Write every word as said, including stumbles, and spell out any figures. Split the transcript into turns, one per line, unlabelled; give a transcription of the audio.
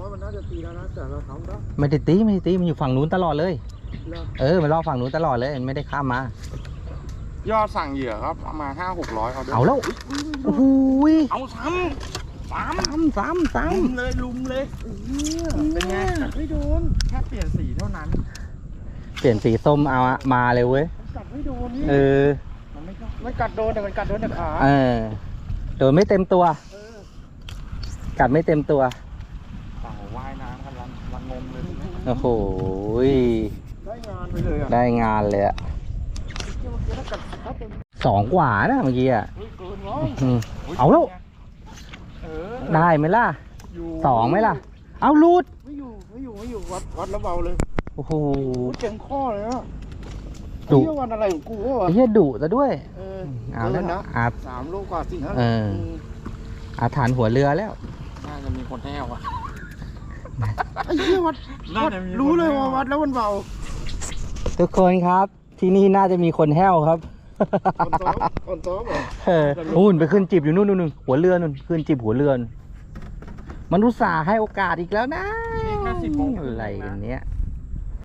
มันน่าจะตีแล้วนะแต่เราทำได้
ไม่ได้ตีไม่ได้ตีมันอยู่ฝั่งนู้นตลอดเลย
เหรอ
เออมันรอฝั่งนู้นตลอดเลยมันไม่ได้ข้ามมาย
อดสั่งเหยื่อครับประมาณห้าหกร้อยเอาด้วย
เอาแล้วโอ้โห
เอาซ้ำซ้ำ
ซ้ำซ้ำซ้
ลุมเลยลุมเลยเป็นไงกัดไม่โดนแค่เปลี่ยนสีเท่านั้น
ำเปลี่ยนสีส้มเอาอะมาเลยเว้ย
กัดไม่โดนนี่
เออ
มันไม่มันกัดโดนแต่มันกัดโดนแต่ขา
เออโดนไม่เต็มตัว
เออ
กัดไม่เต็มตัว
เต่าว่ายน้ำกันลังลังงมเลยทีนี้
โอ้โห
ได้งานไปเลยอ่ะ
ได้งานเลยอะ
เมื่อกี้ถ้ากัดถ้าเป็น
สองกว่านะเมื่อกี้อะ
เฮ้ยเกินร้อย
อืมเอาแล้ว
เออ
ได้ไหมล่ะ
อยู่
สองไหมล่ะ เอาลูด
ไม่อยู่ไม่อยู่ไม่อยู่วัดวัดแล้วเบาเลย
โอ้โห
โอ้เจ๋งข้อเลยอ่ะ
ดุ
เที่ยววันอะไรของกูวะ
ไอ้เหี้ยดุซะด้วย
เออ
เอาแล้ว
กินนะ
อา
สามโลกว่าสี่ห้า
เออ อาถรรพ์หัวเรือแล้ว
น่าจะมีคนแห้วอ่ะ
ไอ้เหี้ยวัด
น่า
วัด
จะมีคน
รู้เลย
แน่
ว่าวัดแล้วมันเบา
ทุกคนครับ ที่นี่น่าจะมีคนแห้วครับ
คนซ้อมคนซ้อมเหรอ
เออนู่นไปขึ้นจิบอยู่นู่นนู่นนู่นหัวเรือนู่นขึ้นจิบหัวเรือนู่นมันอุตส่าห์ให้โอกาสอีกแล้วนะ
นี่แค่สิบโมง
อะไรกันเนี้ย